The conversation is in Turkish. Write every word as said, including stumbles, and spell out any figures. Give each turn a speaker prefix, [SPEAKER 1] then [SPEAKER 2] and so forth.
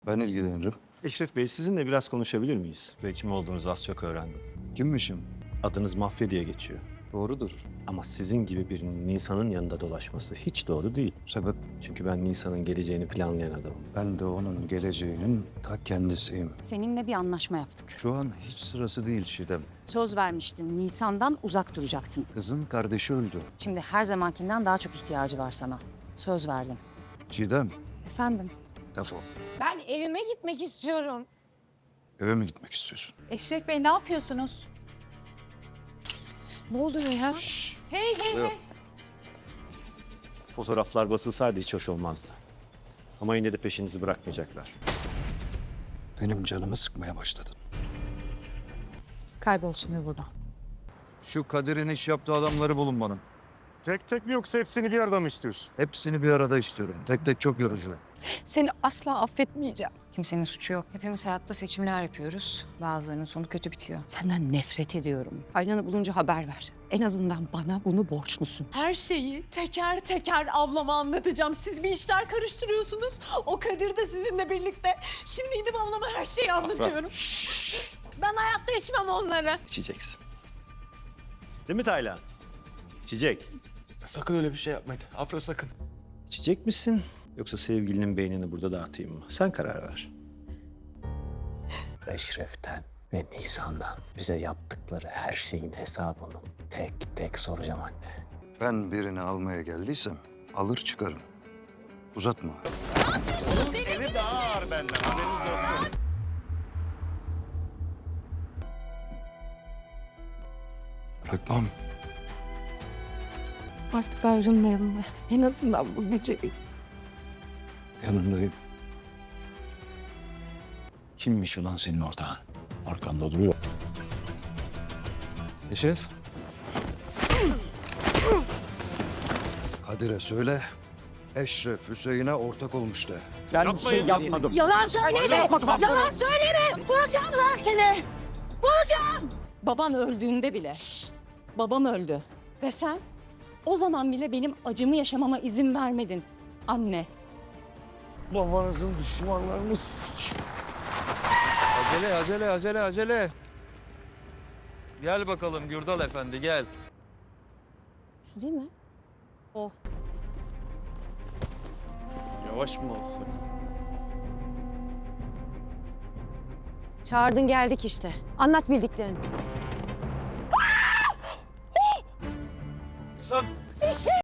[SPEAKER 1] Ben ilgilenirim.
[SPEAKER 2] Eşref Bey, sizinle biraz konuşabilir miyiz? Ve kim olduğunuzu az çok öğrendim.
[SPEAKER 1] Kimmişim?
[SPEAKER 2] Adınız Mafya diye geçiyor.
[SPEAKER 1] Doğrudur.
[SPEAKER 2] Ama sizin gibi birinin Nisan'ın yanında dolaşması hiç doğru değil.
[SPEAKER 1] Sebep
[SPEAKER 2] Çünkü ben Nisan'ın geleceğini planlayan adamım.
[SPEAKER 1] ben de onun geleceğinin ta kendisiyim.
[SPEAKER 3] Seninle bir anlaşma yaptık.
[SPEAKER 1] Şu an hiç sırası değil Çiğdem.
[SPEAKER 3] Söz vermiştin, Nisan'dan uzak duracaktın.
[SPEAKER 1] Kızın kardeşi öldü.
[SPEAKER 3] Şimdi her zamankinden daha çok ihtiyacı var sana. Söz verdin.
[SPEAKER 1] Çiğdem,
[SPEAKER 3] Efendim?
[SPEAKER 1] defol.
[SPEAKER 4] Ben evime gitmek istiyorum.
[SPEAKER 1] Eve mi gitmek istiyorsun?
[SPEAKER 5] Eşref Bey ne yapıyorsunuz?
[SPEAKER 4] Ne oluyor ya?
[SPEAKER 5] Hey hey
[SPEAKER 1] Yok.
[SPEAKER 5] hey.
[SPEAKER 2] Fotoğraflar basılsaydı hiç hoş olmazdı. Ama yine de peşinizi bırakmayacaklar.
[SPEAKER 1] Benim canımı sıkmaya başladın.
[SPEAKER 5] Kaybol şimdi buradan.
[SPEAKER 1] Şu Kadir'in iş yaptığı adamları bulun bana.
[SPEAKER 6] Tek tek mi yoksa hepsini bir arada mı istiyorsun?
[SPEAKER 1] Hepsini bir arada istiyorum. Tek tek çok yorucu.
[SPEAKER 4] Seni asla affetmeyeceğim.
[SPEAKER 3] Kimsenin suçu yok. Hepimiz hayatta seçimler yapıyoruz. Bazılarının sonu kötü bitiyor. Senden nefret ediyorum. Aynanı bulunca haber ver. En azından bana bunu borçlusun.
[SPEAKER 4] Her şeyi teker teker ablama anlatacağım. Siz bir işler karıştırıyorsunuz. O Kadir de sizinle birlikte. Şimdi gidip ablama her şeyi anlatıyorum. Ben hayatta içmem onları.
[SPEAKER 2] İçeceksin. Değil mi Taylan? İçecek.
[SPEAKER 6] Sakın öyle bir şey yapmayın. Afra sakın.
[SPEAKER 2] İçecek misin? Yoksa sevgilinin beynini burada dağıtayım mı? Sen karar ver. Eşref'ten ve Nisan'dan bize yaptıkları her şeyin hesabını tek tek soracağım anne.
[SPEAKER 1] Ben birini almaya geldiysem alır çıkarım. Uzatma.
[SPEAKER 2] Eli daha ağır benden, haberiniz olsun.
[SPEAKER 1] Bırakmam.
[SPEAKER 4] Artık ayrılmayalım mı? En azından bu gece.
[SPEAKER 1] Yanındayım. Kimmiş ulan senin ortağın? Arkanda duruyor.
[SPEAKER 6] Eşref.
[SPEAKER 1] Kadir'e söyle. Eşref Hüseyin'e ortak olmuş de.
[SPEAKER 2] Ben bir şey yapmadım.
[SPEAKER 4] Yalan söyleme! Yalan söyleme! Bulacağım lan seni!
[SPEAKER 3] Baban öldüğünde bile. Babam öldü. Ve sen o zaman bile benim acımı yaşamama izin vermedin. Anne.
[SPEAKER 6] Babanızın düşmanlarını
[SPEAKER 7] Acele, acele, acele, acele. Gel bakalım Gürdal Efendi, gel.
[SPEAKER 3] Şu değil mi? O.
[SPEAKER 6] Yavaş mı olsa?
[SPEAKER 4] Çağırdın geldik işte. Anlat bildiklerini.